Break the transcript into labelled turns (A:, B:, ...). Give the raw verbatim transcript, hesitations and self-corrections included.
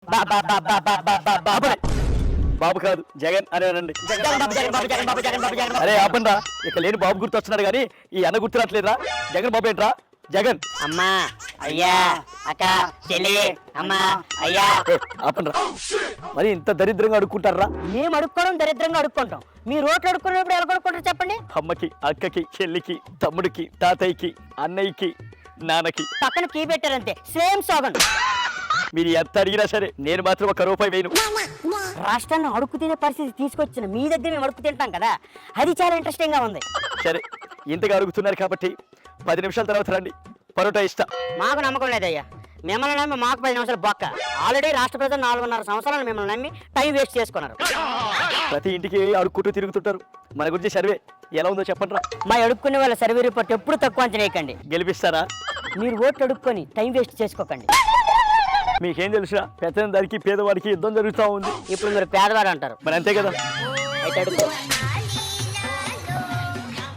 A: బాబు కాదు జగన్ అని అనండి. అరే ఆపండ్రా, ఇక లేని బాబు గుర్తు వస్తున్నాడు కానీ ఈ అన్న గుర్తురాట్లేదురా. జగన్ బాబు ఏంట్రా జగన్?
B: అమ్మా అయ్యా అక్క చెల్లి అమ్మా అయ్యా.
A: ఆపండ్రా, మరి ఇంత దరిద్రంగా అడుక్కుంటారా?
B: మేము అడుక్కోవడం దరిద్రంగా అడుక్కుంటాం. మీ రోడ్లు అడుక్కున్నప్పుడు ఎలా కొడుకుంటారు చెప్పండి?
A: అమ్మకి, అక్కకి, చెల్లికి, తమ్ముడికి, తాతయ్యకి, అన్నయ్యకి, నాన్నకి
B: పక్కన కీ పెట్టారంతే, సేమ్ సోగన్.
A: మీరు ఎంత అడిగినా సరే నేను మాత్రం ఒక రూపాయి వేయను.
B: రాష్ట్రాన్ని అడుక్కు తినే పరిస్థితి తీసుకొచ్చిన మీ దగ్గర మేము అడుక్కు తింటాం కదా, అది చాలా ఇంట్రెస్టింగ్ గా ఉంది.
A: సరే, ఇంతగా అడుగుతున్నారు కాబట్టి పది నిమిషాల తర్వాత రండి, పరోటా ఇస్తా.
B: మాకు నమ్మకం లేదయ్యా, మిమ్మల్ని నమ్మి మాకు పది నిమిషాలు బొక్క. ఆల్రెడీ రాష్ట్ర ప్రజలు నాలుగున్నర సంవత్సరాలు మిమ్మల్ని నమ్మి టైం వేస్ట్ చేసుకున్నారు.
A: ప్రతి ఇంటికి అడుక్కుంటూ తిరుగుతుంటారు. మన గురించి సర్వే ఎలా ఉందో చెప్పండి రా.
B: మా అడుక్కునే వాళ్ళ సర్వే రిపోర్ట్ ఎప్పుడు తక్కువ అంచనేయకండి.
A: గెలిపిస్తారా?
B: మీరు ఓట్లు అడుక్కొని టైం వేస్ట్ చేసుకోకండి.
A: మీకేం తెలుసా, పెద్దదానికి పేదవాడికి యుద్ధం జరుగుతూ ఉంది.
B: ఇప్పుడు మీరు పేదవాడు అంటారు,
A: మరి అంతే కదా.
B: అయితే అడుక్కో.